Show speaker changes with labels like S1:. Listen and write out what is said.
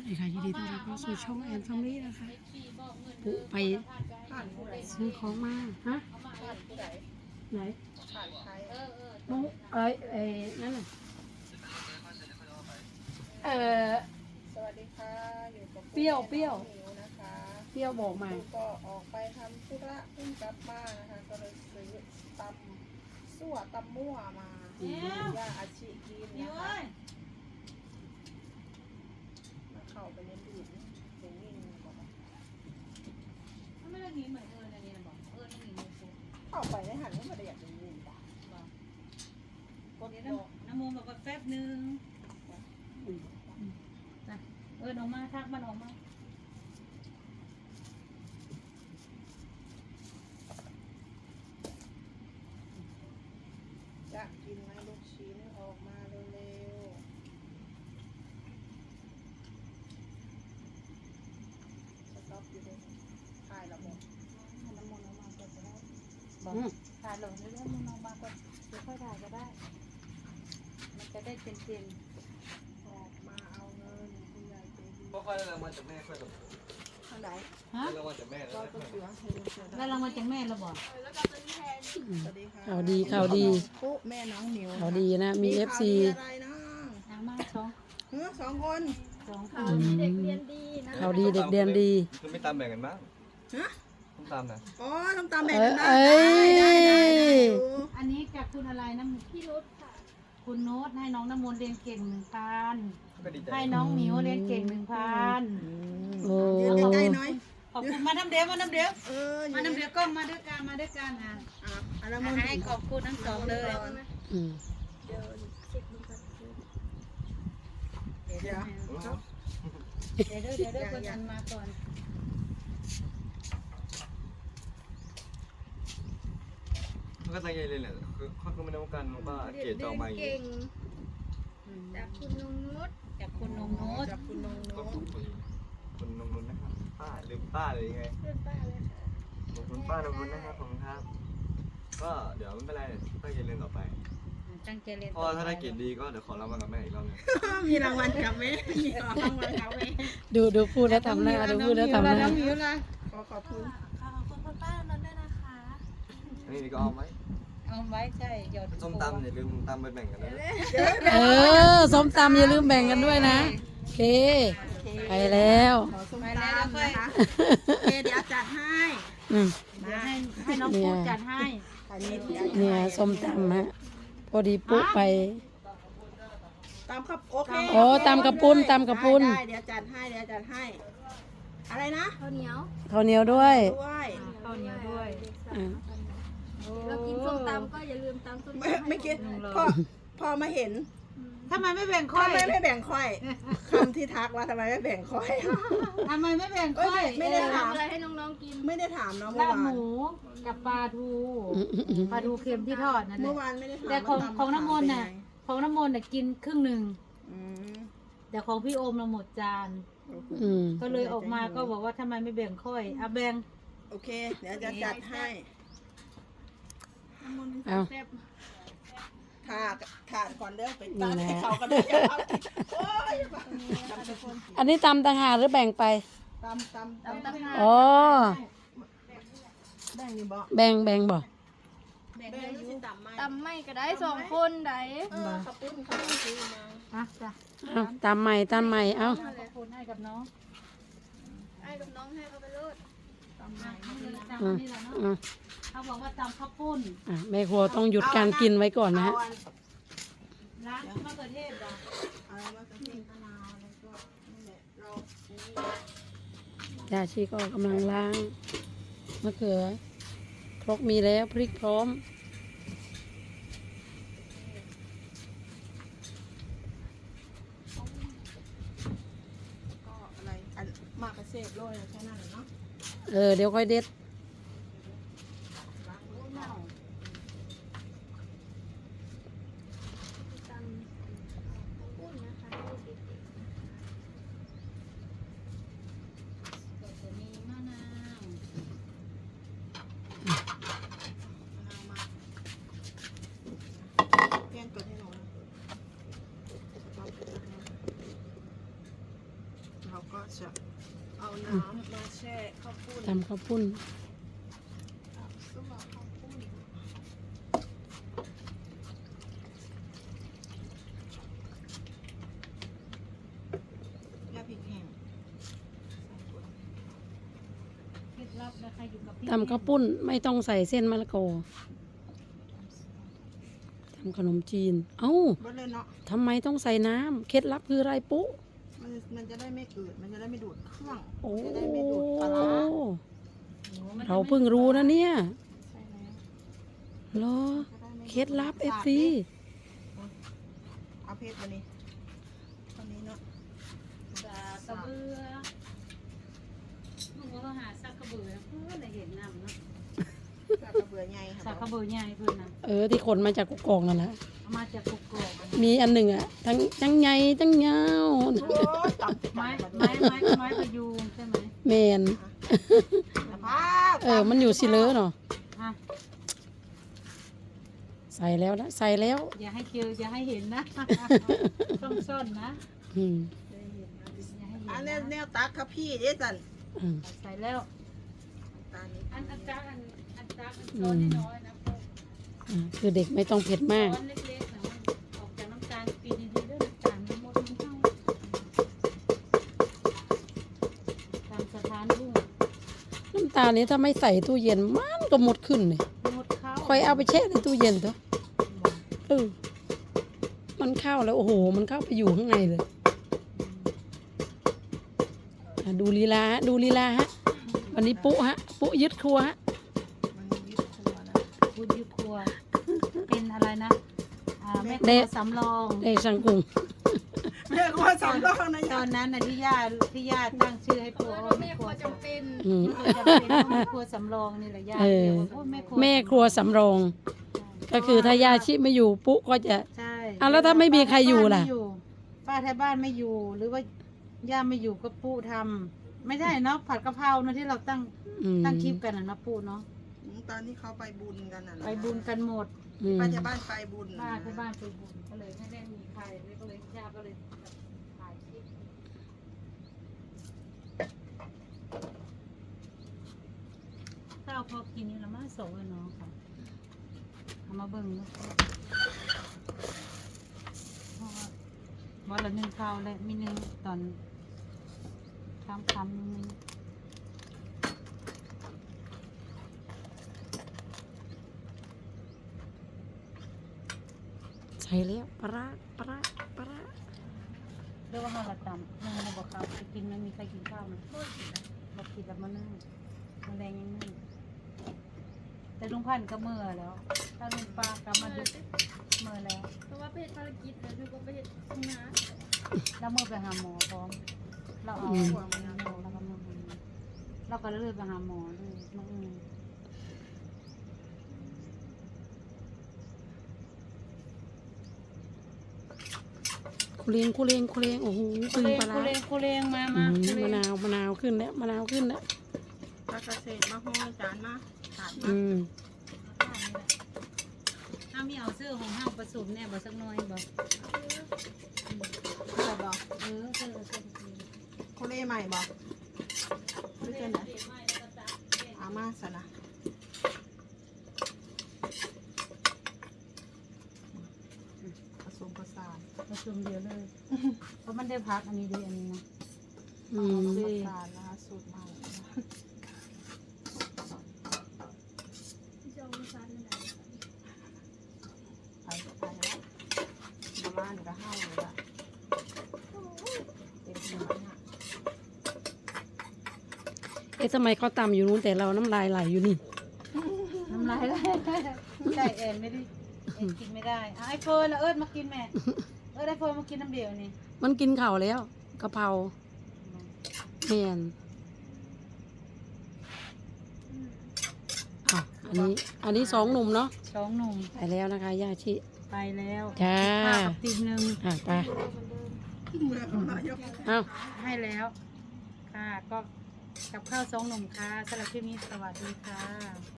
S1: ดีค่ะยินดีต้อนรับเข้าสู่ช่องแอนฟมิลี่นะคะปุ๊ไปซื้อของมาฮะไหนมุ้งนั่นน่ะ
S2: สวัสดีค่ะอยู่กับ
S1: เปรี้ยว
S2: นะคะ
S1: เปรี้ยวบอกมา
S2: ก็ออกไปทำธุระเพิ่งกลับมานะคะก็เลยซื้อตำสั่วตำมั่วมาย่าอาชีกินนะคะมาเข้าไปในดูดเสียงนิ่งบอกว่า
S3: ไม่ได้หนีเหมือนอันนี้นะบอกไม่หนีเลยปุ๊บ
S2: เข้าไปในหันก็ไม่ได้อยากจะยินป่ะ
S3: กดน้ำมูลบอกว่าแป๊บนึงออกมาทักมันออกมา
S2: จะกินไหมลูกชิ้นออกมาเร็วๆสต๊อปอยู่เลยถ่ายแล้วบอก
S3: น้ำมูลออกมาก็จะได้บอกถ่ายลงเรื่อยๆมันออกมาก็ค่อยถ่ายก็ได้มันจะได้เต็ม
S2: ออกมาเอาเงินคุณยายใจดี
S4: ก็ค่อยได้รางวัลจากแม่ค่อยแบบ
S2: ทางไหน
S3: ๆฮะ
S4: ได้รางวัลจากแม่แล้ว
S2: ก็
S4: ค่
S2: ตั
S4: อ
S2: วย เสือให้ดูเสือ
S3: แล้วรางวัลจากแม่เราบอก
S2: สวัสดีค่ะ
S1: ข่าวดีข่าวดี
S2: ปุ๊แม่น้องหมิว
S1: ข่าวดีนะมี
S2: ข่าว
S1: FC
S2: ดีอะไรนะ
S3: นางมาสอง
S2: สองคน
S1: ข่าวดีเด็กเรียนดี
S4: คือไม่ตามแบ่งกันบ้าง
S2: ฮะ
S4: ต้องตามนะ
S2: อ๋อต้องตามแบ่งกันได้
S1: เอ้ย
S3: อันนี้กับคุณอะไรนะพี่นุชค่ะคุณโน้ตให้น้องน้ำมูลเรียนเก่ง1,000
S4: ก็ดีใจ
S3: ให้น้องหมิวเรียนเก่ง1,000
S1: โอ้
S2: ยืนใกล้ๆหน่อย
S3: ขอบคุณมาน้ำเดียวมาน้ำเดียว
S2: เออ
S3: มาน้ำเดียวกล้องมาด้วยกันอ่ะ
S2: อันนั้นมัน
S3: ให้ขอบคุณทั้งสองเลย
S1: อืม
S2: เดี๋ยว
S3: เดี๋ยวคนทันมาก่อน
S4: เขาก็ตั้งใจเลยแหละคือเขาก็ไม่ได้ต้องการว่าเกรดจะออกมาอย่างนี้
S5: จากคุณนงนุช
S3: จากคุณนงโน้ต
S2: จับคุณนง
S4: ก็
S2: โน้
S4: ถูกพอดีคุณนงนุนนะครับป้าลืมป้าเลยยังไง
S5: เพื่อนป้าเลยค่ะ
S4: ขอบคุณป้านงนุนนะครับขอบคุณครับ ก็เดี๋ยวไม่เป็นไรตั้งใจเรียนต่อไป
S3: ตั้งใจเรียน
S4: พอถ้าได้เกรดดีก็เดี๋ยวขอรางวัลกับแม่อีกรอบนึง
S2: มีรางวัลกับแม่มีรางวัลกับแม่
S1: ดูพูดแล้วทำหน้าดูพูดแล้วทำหน้า
S3: น้องหมิวละ
S2: ขอบคุณ
S5: ขอบคุณคุณป้านนท์ด้วยนะคะ
S4: อันนี้ก็เอาไหม
S3: เอาไว้ใช่หยด
S4: ส้มตำอย่าลืมตำไปแบ่งกันนะ
S1: ส้มตำอย่าลืมแบ่งกันด้วยนะโอเคไปแล้ว
S2: ขอส้มตำนะคะโอเคเดี๋ยวจัดให้
S1: อืม
S3: เดี๋ยวให้น้องพูดจัดให้
S2: อันนี้เดี๋ยว
S1: เนี่ยส้มตำฮะพอดีปุ๊ไป
S2: ตามครับโอเค
S1: โอ้ตำกระปุ้นตำกระปุ้น
S2: ได้เดี๋ยวจัดให้อะไรนะ
S5: ข้าวเหนียว
S1: ข้าวเหนียวด้วย
S2: ด้วย
S3: ข้าวเหนียวด้วย
S1: อ่ะ
S5: เรากินส้มตำก็อย่าลืมตำส้มตำ
S2: ไม่คิดพอมาเห็น
S3: ทำไมไม่แบ่งค่อย
S2: ทำไมไม่แบ่งค่อยคำที่ทักว่าทำไมไม่แบ่งค่อย
S3: ทำไมไม่แบ่งค่อย
S2: ไม่ได้ถาม
S5: ทำอะไรให้น้องๆกิน
S2: ไม่ได้ถามเนาะเมื่
S3: ลา
S2: อบ วา
S3: ห
S2: น
S3: มูกับปลาทูปลาทูเค็มที่ทอดนั่นแห
S2: เมื่
S3: ละ
S2: อวานไม่ได้ถาม
S3: แต่ของ
S2: ว่าตำ
S3: ของน้ำมนต์
S2: เป็
S3: น่ะ
S2: ไง
S3: ของน้ำมนต์น่ะกินครึ่งหนึ่ง
S2: อืม
S3: แต่ของพี่โอมเราหมดจาน
S1: อืม
S3: ก็เลยออกมาก็บอกว่าทำไมไม่แบ่งค่อยอ่ะแบ่ง
S2: โอเค เดี๋ยวจะจัดให้
S1: เอา
S2: ถ่านก่อนเด้อไปตั้งให้เขากันเด้อเอาโอ้ยตำทุกคน
S1: อันนี้ตำต่างหากหรือแบ่งไป
S2: ตำ
S5: ตำหา
S1: อ๋อ
S2: แบ่งนี่บ่
S1: แบ่งบ่
S2: แบ่งได้อยู่ตำไหม
S5: ตำไม่ก็ได้2 คนได้
S2: ขับปุ้นเขาซื้อมา
S3: อ่ะจ้ะ
S1: เอาตำใหม่เอา
S3: ขอบคุณให้กับน้อง
S5: ไอ้กับน้องให้เขาไปโลด
S3: จำนี่แหละเนาะ
S1: อ่ะ
S3: เขาบอกว่าจำข้าวปุ้น
S1: อ่ะแม่ครัวต้องหยุดการกินไว้ก่อนนะฮะ
S2: เอาอัน
S3: ร้านมะเขือเทศเหรอ
S2: อะไรวะกระเทียมมะนาวแล้วก็นั่นแหละเรานี่
S1: ยาชีก็กำลังล้างมะเขือครกมีแล้วพริกพร้อม
S2: ก็อะไรอันมากระเซฟโรยแค่นั้นแหละเนาะ
S1: เดี๋ยวค่อยเด็ด
S2: ล้างโอ้ยเน่า
S5: ตำปุ้นนะคะ
S3: ก็จะมีมะนาว
S2: มะนาวมาแกงกดให้หน่อยเราจะเอาน้ำมาแช่ข้าวปุ้น
S1: ตำข้าวปุ้น
S2: ซึ่งเราข้าวปุ้นยาพริกแห้ง
S3: เคล็ดลับนะคะอยู่กับพี่
S1: ตำข้าวปุ้นไม่ต้องใส่เส้นมะละกอทำขนมจีน เอ้า
S2: บ่เลยเนาะ
S1: ทำไมต้องใส่น้ำเคล็ดลับคืออะไรปุ๊
S2: มันจะได้ไม่อืดมันจะได้ไม่ดูดเครื่อง
S1: โอ้
S2: มันจะได้ไม่ดูดปลาร้า
S1: เราเพิ่งรู้นะเนี่ย
S2: ใช่แล้ว
S1: เหรอ
S2: จะได้ไม่
S1: เคล็ดลับ
S2: ดูด
S1: FC
S2: เอาเพชรตัวนี้ตัวนี้เนาะ
S3: สากระเบือลูกก็หาสักกระเบือเพื่อได้เห็นน้ำเนาะ
S2: จากกระเบือใหญ่ค่ะ
S3: สากกระเบือใหญ่เพื่อนนะ
S1: ที่ขนมาจากกุกกองนั่นแหละ
S3: เอามาจากกุกกอกอะ
S1: มีอันหนึ่งอ่ะ ทั้งใหญ่ทั้งยาว
S2: โอ้ยตำ
S3: ไม้
S2: ไม้
S3: ไม้พยุงใช่ไหม
S1: แมน
S2: ผ้า
S1: มันอยู่สิเลอเนาะ
S3: อ่ะ
S1: ใส่แล้วนะใส่แล้ว
S3: อย่าให้เคียวอย่าให้เห็นนะ ต้องซ่อนนะ
S1: อืม
S3: อย่าให้เห็น
S2: อัน
S3: นะ
S2: แนวตักครับพี่เด้สัน
S1: อืม
S3: ใส่แล้ว
S2: ตานี้
S3: อันจักช้อนน้อยๆนะพวก
S1: คือเด็กไม่ต้องเผ็ดมาก
S3: ช้อนเล็กๆนะมันออกจากน้ำตาลปีดีๆด้วยน้ำตาลมันหมดมันเข้าตามสถานบุ้ง
S1: น้ำตาลนี้ถ้าไม่ใส่ตู้เย็นมันก็หมดขึ้นเลย
S3: หมดเข้า
S1: ค่อยเอาไปแช่ในตู้เย็นเถอะมันเข้าแล้วโอ้โห มันเข้าไปอยู่ข้างในเลยดูลีลาฮะดูลีลาฮะ วันนี้ปุ๊ฮะ ปุ๊ยึดครัวฮะ
S2: มันยึดครัวนะ
S3: พูดอยุครัว เป็นอะไรนะแม่ครัวสำรอง
S1: เด็กสังกุง
S2: แม่ครัวสำรองนะ
S3: ตอนนั้นน่ะที่ย่าตั้งชื่อให้พวกแม่ครัวจำเป็น
S1: อืม
S3: แม่ครัวสำรองนี่แหละย่า
S1: เออ
S3: เรียกว่าโอ้
S1: แม่ครัวสำรอง ก็คือถ้ายาชิไม่อยู่ปุ๊ก็จะ
S3: ใช่
S1: แล้วถ้าไม่มีใครอยู่ล่ะ
S3: ป้าแถวบ้านไม่อยู่ หรือว่าย่าไม่อยู่ก็ปู่ทำไม่ใช่เนาะผัดกะเพราเนาะที่เราตั้ง
S1: อืม
S3: ตั้งคลิปกันนะปู่เนาะ
S2: ตอนนี้เขาไปบุญกันน่ะนะ
S3: ไปบุญกันหมด
S1: อืม
S2: ป้าจะบ้านไปบุญ
S3: ป้าที่บ้านไปบุญก็เลยไม่ได้มีใครเลยก็เลยย่าก็เลยถ่ายคลิปข้าวพอกินนี่ละมาส่งเลยเนาะค่ะเอามาเบิ่งเนาะเพราะว่าวันละหนึ่งข้าวและมีหนึ่งตอนคำนึง
S1: ใส่แล้วปลาร้าปลาร้าปลาร้า
S3: เรียกว่าข้าวละตำนึ่งมาบอกข้าวไปกินไม่มีใครกินข้าวนะบอกกินแล้วมานึ่งมาแรงยังนึ่งแต่ลุงพันธุ์ก็เมื่อแล้ว ถ้าลุงปลาก็มาดูเมื่อแล้ว
S5: เพราะว่าไปเฮ็ดภารกิจแต่หนูก็ไปเฮ็ดทำงาน
S3: แล้วเมื่อไปหาหมอพร้อม เราเอาหัวมันแล้วก็มาเราก็เลยไปหาหมอเลยมา
S1: คุเรียงคุเรียงคุเรียงโอ้โห
S3: คุ
S1: ตึง
S3: เรง
S1: ปลาร้า
S3: คุเรงมา
S1: อื
S3: มาม
S1: มะนาวมะนาวขึ้นแล้วมะนาวขึ้นแล้ว
S2: ป้าเกษตรมาห้อยจานมาถาดมา
S1: อืม
S3: ถ้ามีเอาเสื้อของห้างผสมเนี่ยบ่สักหน่อยบ่
S2: เสื้อบอก
S3: เสื้อ
S2: โคเล่ใหม่บอกไม่ใช่ไหนอามาสนะผสมผสาน
S3: ผสมเดียวเลย เพราะมันได้พักอันนี้ดีอันนี้นะ
S1: อื
S2: ผ
S1: ม
S2: สมผสานนะคะสูตรใหม่นะคะ
S5: ที่จะเอาไปซันนั่นแหละ
S2: ไปแล้วประมาณก็ห้าเลยละเต็มที่นะ
S1: ทำไมเขาตำอยู่นู้นแต่เราน้ำลายไหลอยู่นี่
S3: น้ำลายไหลใช่แอนไม่ได้แอนกินไม่ได้อ่ะไอเฟิร์นน่ะเอิร์ดมากินแม่ไอเฟิร์นมากินน้ำเดียวนี่
S1: มันกินเข่าวแล้วกะเพราแมนอ่ะอันนี้สองหนุ่มเนาะ
S3: สองหนุ่ม
S1: ไปแล้วนะคะย่าชิ
S3: ไปแล้ว
S1: จ้า
S3: ข้าวกับตีนหนึ่ง
S1: ไป
S2: เมื่อเขายก
S1: เอา
S3: ให้แล้ว ค่ะก็กับข้าวสองหนุ่มค่ะสำหรับคลิปนี้สวัสดีค่ะ